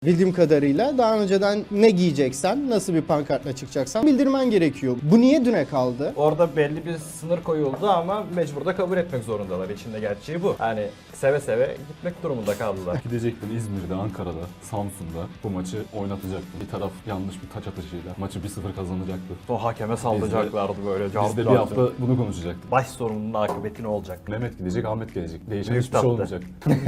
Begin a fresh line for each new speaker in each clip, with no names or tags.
Bildiğim kadarıyla daha önceden ne giyeceksen, nasıl bir pankartla çıkacaksan bildirmen gerekiyor. Bu niye düne kaldı?
Orada belli bir sınır koyuldu ama mecbur da kabul etmek zorundalar. İçinde gerçeği bu. Yani seve seve gitmek durumunda kaldılar.
Gidecektin İzmir'de, Ankara'da, Samsun'da bu maçı oynatacaktın. Bir taraf yanlış bir taç atışıyla maçı 1-0 kazanacaktı.
O hakeme saldıracaklardı böyle.
Biz de bir hafta bunu konuşacaktık.
Baş sorunun akıbeti ne olacak?
Mehmet gidecek, Ahmet gelecek. Değişen
Büyük
hiçbir şey
tatlı.
olmayacak.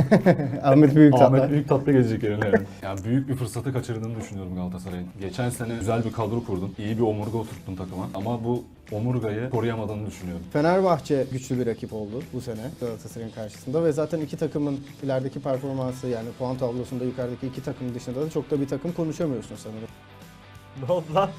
Ahmet Büyüktatlı.
Ahmet büyük tatlı gelecek yerine yani. Büyük bir fırsatı kaçırdığını düşünüyorum Galatasaray'ın. Geçen sene güzel bir kadro kurdun. İyi bir omurga oturttun takıma. Ama bu omurgayı koruyamadığını düşünüyorum.
Fenerbahçe güçlü bir rakip oldu bu sene Galatasaray'ın karşısında ve zaten iki takımın ilerideki performansı, yani puan tablosunda yukarıdaki iki takım dışında da çok da bir takım konuşamıyorsun sanırım.
Ne oldu lan?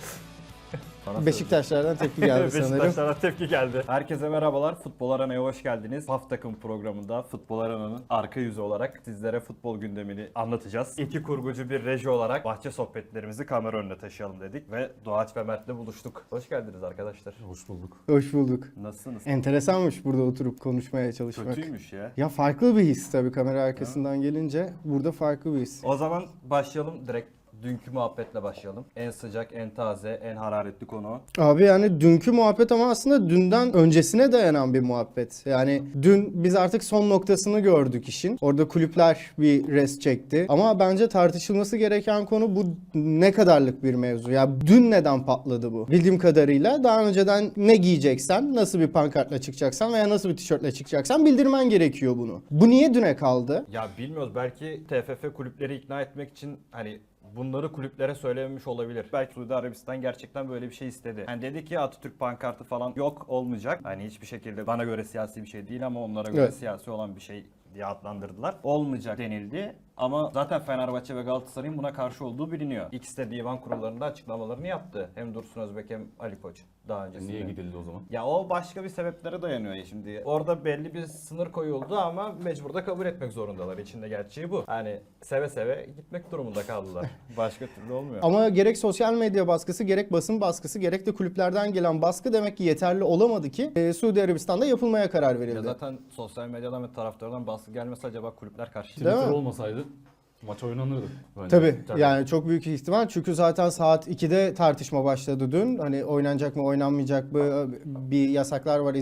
Beşiktaşlardan tepki geldi sanırım.
Beşiktaşlara tepki geldi. Herkese merhabalar. Futbol Arana'ya hoş geldiniz. PAF takım programında Futbol Arana'nın arka yüzü olarak sizlere futbol gündemini anlatacağız. İki kurgucu bir reji olarak bahçe sohbetlerimizi kamera önüne taşıyalım dedik ve Doğaç ve Mert'le buluştuk. Hoş geldiniz arkadaşlar.
Hoş bulduk.
Hoş bulduk.
Nasılsınız?
Enteresanmış burada oturup konuşmaya çalışmak.
Kötüymüş ya.
Ya farklı bir his tabii kamera arkasından gelince. Burada farklı bir his.
O zaman başlayalım direkt. Dünkü muhabbetle başlayalım. En sıcak, en taze, en hararetli konu.
Abi yani dünkü muhabbet ama aslında dünden öncesine dayanan bir muhabbet. Yani dün biz artık son noktasını gördük işin. Orada kulüpler bir rest çekti. Ama bence tartışılması gereken konu bu ne kadarlık bir mevzu. Ya dün neden patladı bu? Bildiğim kadarıyla daha önceden ne giyeceksen, nasıl bir pankartla çıkacaksan veya nasıl bir tişörtle çıkacaksan bildirmen gerekiyor bunu. Bu niye düne kaldı?
Ya bilmiyoruz, belki TFF kulüpleri ikna etmek için hani bunları kulüplere söylememiş olabilir. Belki Suudi Arabistan gerçekten böyle bir şey istedi. Yani dedi ki Atatürk pankartı falan yok, olmayacak. Hani hiçbir şekilde bana göre siyasi bir şey değil ama onlara göre
Evet.
siyasi olan bir şey diye adlandırdılar. Olmayacak denildi. Ama zaten Fenerbahçe ve Galatasaray'ın buna karşı olduğu biliniyor. İkisi de divan kurullarında açıklamalarını yaptı. Hem Dursun Özbek hem Ali Koç daha öncesinde.
Niye gidildi o zaman?
Ya o başka bir sebeplere dayanıyor ya şimdi. Orada belli bir sınır koyuldu ama mecbur da kabul etmek zorundalar. İçinde gerçeği bu. Yani seve seve gitmek durumunda kaldılar. Başka türlü olmuyor.
Ama gerek sosyal medya baskısı, gerek basın baskısı, gerek de kulüplerden gelen baskı demek ki yeterli olamadı ki Suudi Arabistan'da yapılmaya karar
Ya
verildi.
zaten sosyal medyadan ve taraftardan baskı gelmesi acaba kulüpler karşı.
Değil mi?
Twitter olmasaydı maç oynanırdı. Bence.
Tabii, yani çok büyük ihtimal çünkü zaten saat 2'de tartışma başladı dün. Hani oynanacak mı oynanmayacak mı, bir yasaklar var,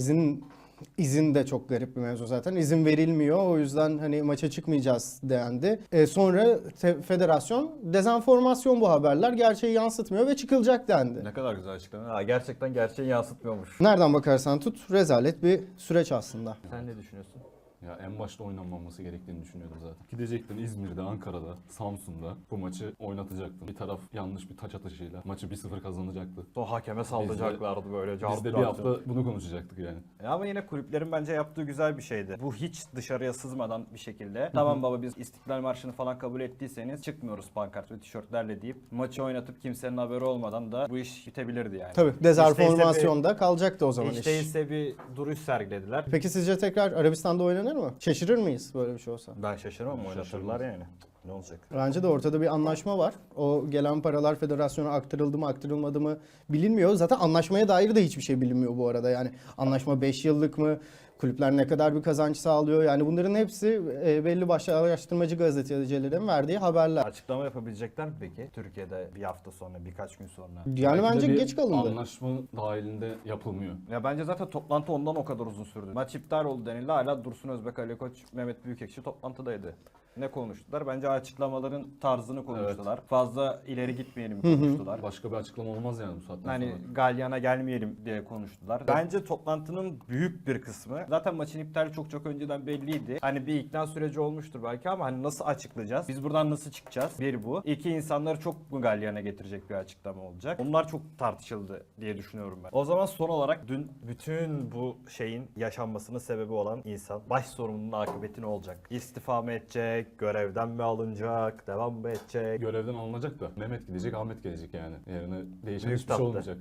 izin de çok garip bir mevzu zaten. İzin verilmiyor, o yüzden hani maça çıkmayacağız dendi. Sonra federasyon dezenformasyon bu haberler, gerçeği yansıtmıyor ve çıkılacak dendi.
Ne kadar güzel açıklama. Ha, gerçekten gerçeği yansıtmıyormuş.
Nereden bakarsan tut rezalet bir süreç aslında.
Sen ne düşünüyorsun?
Ya en başta oynanmaması gerektiğini düşünüyorum zaten. Gidecektin İzmir'de, Ankara'da, Samsun'da bu maçı oynatacaktın. Bir taraf yanlış bir taç atışıyla maçı 1-0 kazanacaktı.
O hakeme saldıracaklardı böyle.
Biz de bir hafta bunu konuşacaktık yani.
Ama yine kulüplerin bence yaptığı güzel bir şeydi. Bu hiç dışarıya sızmadan bir şekilde. Tamam baba, biz İstiklal Marşı'nı falan kabul ettiyseniz çıkmıyoruz pankart ve tişörtlerle deyip maçı oynatıp kimsenin haberi olmadan da bu iş bitebilirdi yani.
Tabii dezenformasyonda kalacaktı o zaman
Hiç
iş.
değilse bir duruş sergilediler.
Peki sizce tekrar Arabistan'da oynanır mı? Şaşırır mıyız böyle bir şey olsa?
Ben şaşırmam, oynatırlar yani. Ne olacak?
Bence de ortada bir anlaşma var. O gelen paralar federasyona aktarıldı mı aktarılmadı mı bilinmiyor. Zaten anlaşmaya dair de hiçbir şey bilinmiyor bu arada. Yani anlaşma 5 yıllık mı? Kulüpler ne kadar bir kazanç sağlıyor? Yani bunların hepsi belli başlı araştırmacı gazetecilerin verdiği haberler.
Açıklama yapabilecekler mi peki? Türkiye'de bir hafta sonra, birkaç gün sonra.
Yani
Belki de
bence
bir
geç kalındı.
anlaşma dahilinde yapılmıyor.
Ya bence zaten toplantı ondan o kadar uzun sürdü. Maç iptal oldu denildi. Hala Dursun Özbek, Ali Koç, Mehmet Büyükekşi toplantıdaydı. Ne konuştular? Bence açıklamaların tarzını konuştular. Fazla ileri gitmeyelim konuştular.
Başka bir açıklama olmaz yani bu saatten
Hani
sonra.
galyana gelmeyelim diye konuştular. Bence toplantının büyük bir kısmı, zaten maçın iptali çok önceden belliydi. Hani bir ikna süreci olmuştur belki ama hani nasıl açıklayacağız? Biz buradan nasıl çıkacağız? Bir bu. İki, insanları çok mu galyana getirecek bir açıklama olacak? Onlar çok tartışıldı diye düşünüyorum ben. O zaman son olarak dün bütün bu şeyin yaşanmasının sebebi olan insan, baş sorumlunun akıbeti ne olacak? İstifa mı edecek? Görevden mi alınacak? Devam mı edecek?
Görevden alınacak da Mehmet gidecek, Ahmet gelecek yani. Yerine değişen
Büyük
hiçbir
tatlı.
şey olmayacak.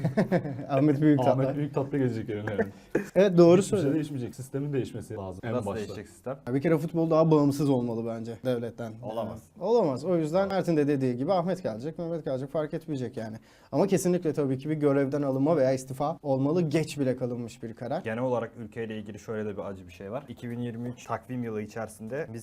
Ahmet Büyüktatlı.
Ahmet büyük tatlı gelecek yerine yani.
Evet, doğru
Hiçbir şey
söylüyorsun.
değişmeyecek. Sistemin değişmesi lazım en
Nasıl
başta.
değişecek sistem?
Bir kere futbol daha bağımsız olmalı bence devletten.
Olamaz.
Olamaz. O yüzden Mert'in de dediği gibi Ahmet gelecek, Mehmet gelecek, fark etmeyecek yani. Ama kesinlikle tabii ki bir görevden alınma veya istifa olmalı. Geç bile kalınmış bir karar.
Genel olarak ülkeyle ilgili şöyle de bir acı bir şey var. 2023 takvim yılı içerisinde biz 2 kere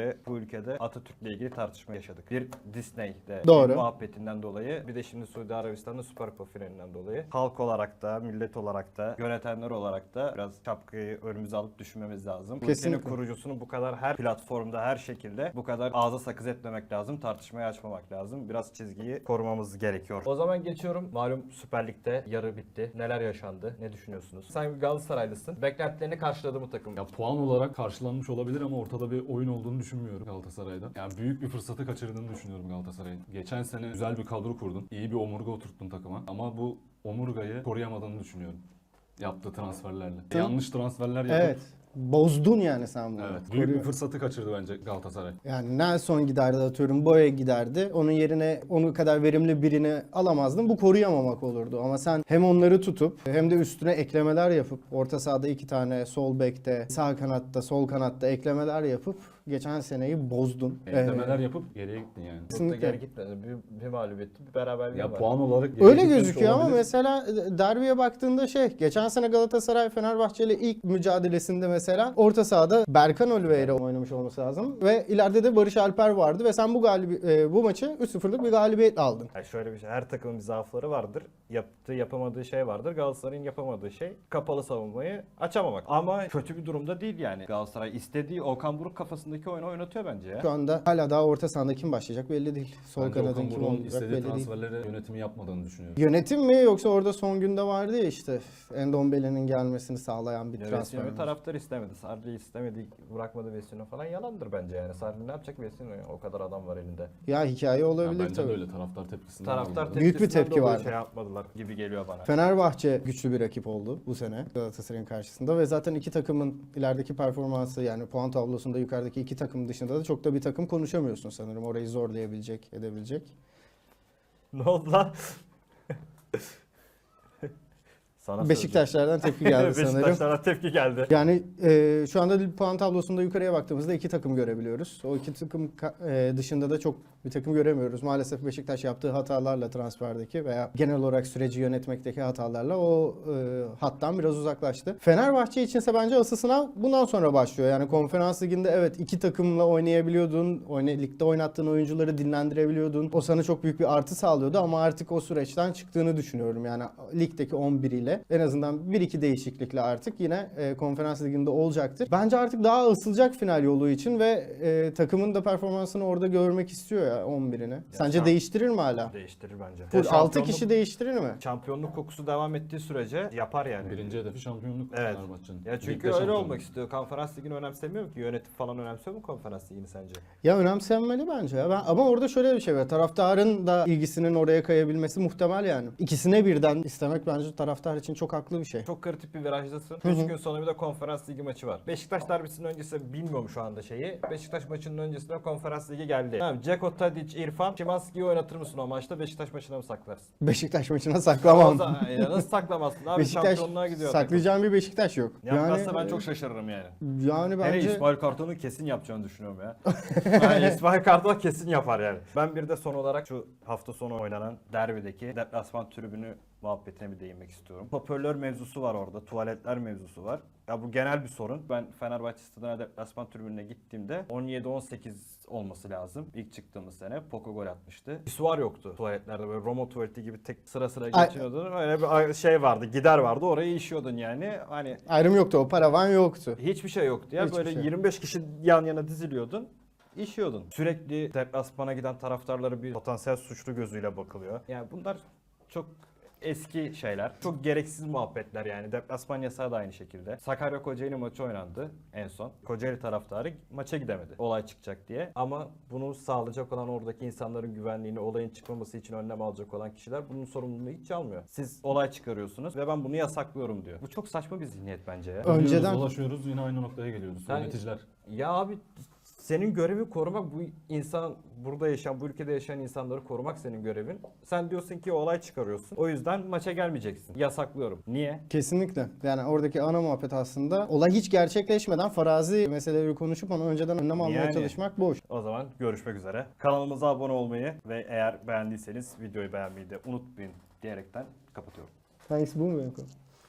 beri bu ülkede Atatürk'le ilgili tartışma yaşadık. Bir Disney'de
Doğru.
bir muhabbetinden dolayı, bir de şimdi Suudi Arabistan'da Süper Kupa finalinden dolayı halk olarak da, millet olarak da, yönetenler olarak da biraz şapkayı önümüze alıp düşünmemiz lazım. Bu ülkenin
Kesinlikle.
kurucusunu bu kadar her platformda, her şekilde bu kadar ağza sakız etmemek lazım. Tartışmayı açmamak lazım. Biraz çizgiyi korumamız gerekiyor. O zaman geçiyorum. Malum Süper Lig'de yarı bitti. Neler yaşandı? Ne düşünüyorsunuz? Sen bir Galatasaraylısın. Beklentilerini karşıladı mı takım?
Ya puan olarak karşılanmış olabilir ama ortada bir oyun olduğunu düşünmüyorum Galatasaray'da. Yani büyük bir fırsatı kaçırdığını düşünüyorum Galatasaray'ın. Geçen sene güzel bir kadro kurdun. İyi bir omurga oturttun takıma. Ama bu omurgayı koruyamadığını düşünüyorum. Yaptığı transferlerle. Yanlış transferler yapıp
Evet. Bozdun yani sen bunu.
evet, büyük bir fırsatı kaçırdı bence Galatasaray.
Yani Nelson giderdi atıyorum, Boya giderdi. Onun yerine onu kadar verimli birini alamazdın. Bu koruyamamak olurdu. Ama sen hem onları tutup hem de üstüne eklemeler yapıp orta sahada 2 tane sol bekte, sağ kanatta, sol kanatta eklemeler yapıp geçen seneyi bozdun.
Eklemeler yapıp geriye gittin yani.
Çok da
Kesinlikle.
geri gitmedi. Bir mağlubiyetti, bir beraberliği
Ya
var.
puan olarak geriye
Öyle
gitmiş
gözüküyor ama
olabilir.
mesela derbiye baktığında geçen sene Galatasaray Fenerbahçe ile ilk mücadelesinde mesela orta sahada Berkan Oliveira oynamış olması lazım ve ileride de Barış Alper vardı ve sen bu maçı 3-0'lık bir galibiyet aldın.
Yani şöyle bir şey, her takımın bir zaafları vardır. Yaptığı, yapamadığı şey vardır. Galatasaray'ın yapamadığı şey kapalı savunmayı açamamak. Ama kötü bir durumda değil yani. Galatasaray istediği Okan Buruk kafasındaki oyunu oynatıyor bence ya.
Şu anda hala daha orta sahada kim başlayacak belli değil. Sol
Bence
kanadın
Okan
kim
Buruk'un
olacak
istediği
belli değil.
transferleri yönetimi yapmadığını düşünüyorum.
Yönetim mi yoksa orada son günde vardı ya işte Endombele'nin gelmesini sağlayan bir
Ya
transfer.
Vecino'yu taraftar istemedi. Sarri istemedi, bırakmadı Vecino falan yalandır bence yani. Sarri ne yapacak Vecino'ya? O kadar adam var elinde.
Ya hikaye
Ya
olabilir
bence de
tabii.
öyle taraftar tepkisinden
Taraftar
aldı.
Büyük bir
tepkisinden
tepki
dolayı
vardı.
şey yapmadılar gibi geliyor bana.
Fenerbahçe güçlü bir rakip oldu bu sene Galatasaray'ın karşısında ve zaten iki takımın ilerideki performansı yani puan tablosunda yukarıdaki iki takım dışında da çok da bir takım konuşamıyorsun sanırım. Orayı zorlayabilecek, edebilecek.
Ne oldu lan? Sana
Beşiktaşlardan tepki geldi sanırım.
Beşiktaşlara tepki geldi.
Yani şu anda puan tablosunda yukarıya baktığımızda iki takım görebiliyoruz. O iki takım dışında da çok bir takım göremiyoruz. Maalesef Beşiktaş yaptığı hatalarla transferdeki veya genel olarak süreci yönetmekteki hatalarla o hattan biraz uzaklaştı. Fenerbahçe içinse bence asıl sınav bundan sonra başlıyor. Yani Konferans Ligi'nde evet iki takımla oynayabiliyordun. Ligde oynattığın oyuncuları dinlendirebiliyordun. O sana çok büyük bir artı sağlıyordu ama artık o süreçten çıktığını düşünüyorum. Yani ligdeki 11 ile en azından 1-2 değişiklikle artık yine Konferans Ligi'nde olacaktır. Bence artık daha ısılacak final yolu için ve takımın da performansını orada görmek istiyor ya 11'ini. Sence
sen-
değiştirir mi hala?
Değiştirir bence.
Full 6
Şampiyonluk-
kişi değiştirir mi?
Şampiyonluk kokusu devam ettiği sürece yapar yani.
Birinci hedefi şampiyonluk
Evet.
Fenerbahçe'nin.
Ya çünkü
Ligde
öyle
şampiyonluk.
olmak istiyor. Konferans ligini önemsemiyor ki. Yönetim falan önemsiyor mu konferans ligini sence?
Ya önemsenmeli bence ya. Ama orada şöyle bir şey var. Taraftarın da ilgisinin oraya kayabilmesi muhtemel yani. İkisine birden istemek bence taraftar için çok haklı bir şey.
Çok kritik bir virajdasın.
Hı hı.
3 gün sonra bir de konferans ligi maçı var. Beşiktaş derbisinin öncesi bilmiyorum şu anda şeyi. Beşiktaş maçının öncesinde konferans ligi geldi. Tamam, Dzeko, Tadic, İrfan, Szymański'yi oynatır mısın o maçta? Beşiktaş maçına mı saklarsın?
Beşiktaş maçına
O
saklamam.
zaman- ya nasıl saklamazsın abi?
Beşiktaş
Şampiyonluğa gidiyor takım.
saklayacağım bir Beşiktaş yok.
Yapmazsa ben çok şaşırırım yani.
yani
Hele
bence
İsmail Kartal'ın kesin yapacağını düşünüyorum ya. Yani İsmail Kartal kesin yapar yani. Ben bir de son olarak şu hafta sonu oynanan derbideki deplasman tribünü muhabbetine bir değinmek istiyorum. Hoparlör mevzusu var orada, tuvaletler mevzusu var. Ya bu genel bir sorun. Ben Fenerbahçe stadına deplasman tribününe gittiğimde 17-18 olması lazım. İlk çıktığımız sene Poco gol atmıştı. Pisuar yoktu tuvaletlerde, böyle Roma tuvaleti gibi tek sıra sıra
Ay-
geçiyordun. Öyle bir şey vardı, gider vardı, oraya işiyordun yani. Hani
ayrım yoktu, o paravan yoktu.
hiçbir şey yoktu ya.
Hiçbir
Böyle
şey.
25 kişi yan yana diziliyordun. İşiyordun. Sürekli deplasmana giden taraftarlara bir potansiyel suçlu gözüyle bakılıyor. Yani bunlar çok eski şeyler. Çok gereksiz muhabbetler yani. Deplasman yasağı da aynı şekilde. Sakarya Kocaeli maçı oynandı en son. Kocaeli taraftarı maça gidemedi. Olay çıkacak diye. Ama bunu sağlayacak olan oradaki insanların güvenliğini, olayın çıkmaması için önlem alacak olan kişiler bunun sorumluluğunu hiç almıyor. Siz olay çıkarıyorsunuz ve ben bunu yasaklıyorum diyor. Bu çok saçma bir zihniyet bence ya.
Önceden-
Önceden dolaşıyoruz yine aynı noktaya geliyoruz.
Yani-
Yöneticiler.
Ya abi senin görevin korumak, bu insan burada yaşayan, bu ülkede yaşayan insanları korumak senin görevin. Sen diyorsun ki olay çıkarıyorsun. O yüzden maça gelmeyeceksin. Yasaklıyorum. Niye?
Kesinlikle. Yani oradaki ana muhabbet aslında olay hiç gerçekleşmeden farazi meseleleri konuşup onu önceden önlem almaya
Yani.
çalışmak boş.
O zaman görüşmek üzere. Kanalımıza abone olmayı ve eğer beğendiyseniz videoyu beğenmeyi de unutmayın diyerekten kapatıyorum.
Hangisi bu mu benim konu?